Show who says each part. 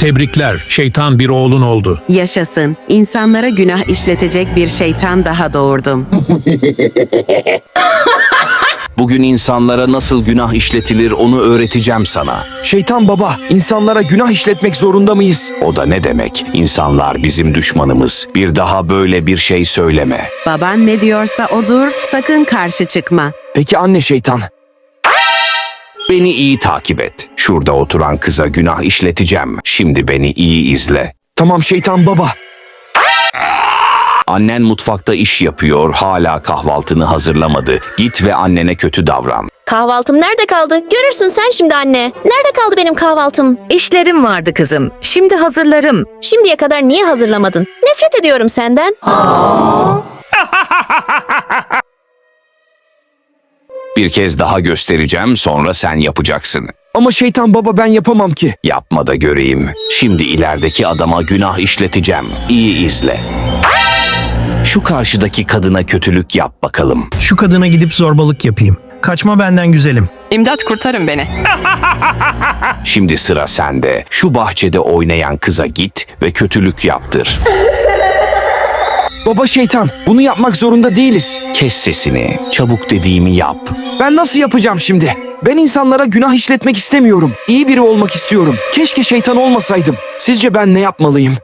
Speaker 1: Tebrikler, şeytan bir oğlun oldu.
Speaker 2: Yaşasın. İnsanlara günah işletecek bir şeytan daha doğurdum.
Speaker 3: Bugün insanlara nasıl günah işletilir onu öğreteceğim sana.
Speaker 4: Şeytan baba, insanlara günah işletmek zorunda mıyız?
Speaker 3: O da ne demek? İnsanlar bizim düşmanımız. Bir daha böyle bir şey söyleme.
Speaker 2: Baban ne diyorsa odur, sakın karşı çıkma.
Speaker 4: Peki anne şeytan.
Speaker 3: Beni iyi takip et. Şurada oturan kıza günah işleteceğim. Şimdi beni iyi izle.
Speaker 4: Tamam şeytan baba.
Speaker 3: Annen mutfakta iş yapıyor, hala kahvaltını hazırlamadı. Git ve annene kötü davran.
Speaker 5: Kahvaltım nerede kaldı? Görürsün sen şimdi anne. Nerede kaldı benim kahvaltım?
Speaker 6: İşlerim vardı kızım. Şimdi hazırlarım.
Speaker 5: Şimdiye kadar niye hazırlamadın? Nefret ediyorum senden.
Speaker 3: Bir kez daha göstereceğim, sonra sen yapacaksın.
Speaker 4: Ama şeytan baba ben yapamam ki.
Speaker 3: Yapma da göreyim. Şimdi ilerideki adama günah işleteceğim. İyi izle. Şu karşıdaki kadına kötülük yap bakalım.
Speaker 7: Şu kadına gidip zorbalık yapayım. Kaçma benden güzelim.
Speaker 8: İmdat, kurtarın beni.
Speaker 3: Şimdi sıra sende. Şu bahçede oynayan kıza git ve kötülük yaptır.
Speaker 4: Baba şeytan, bunu yapmak zorunda değiliz.
Speaker 3: Kes sesini. Çabuk dediğimi yap.
Speaker 4: Ben nasıl yapacağım şimdi? Ben insanlara günah işletmek istemiyorum. İyi biri olmak istiyorum. Keşke şeytan olmasaydım. Sizce ben ne yapmalıyım?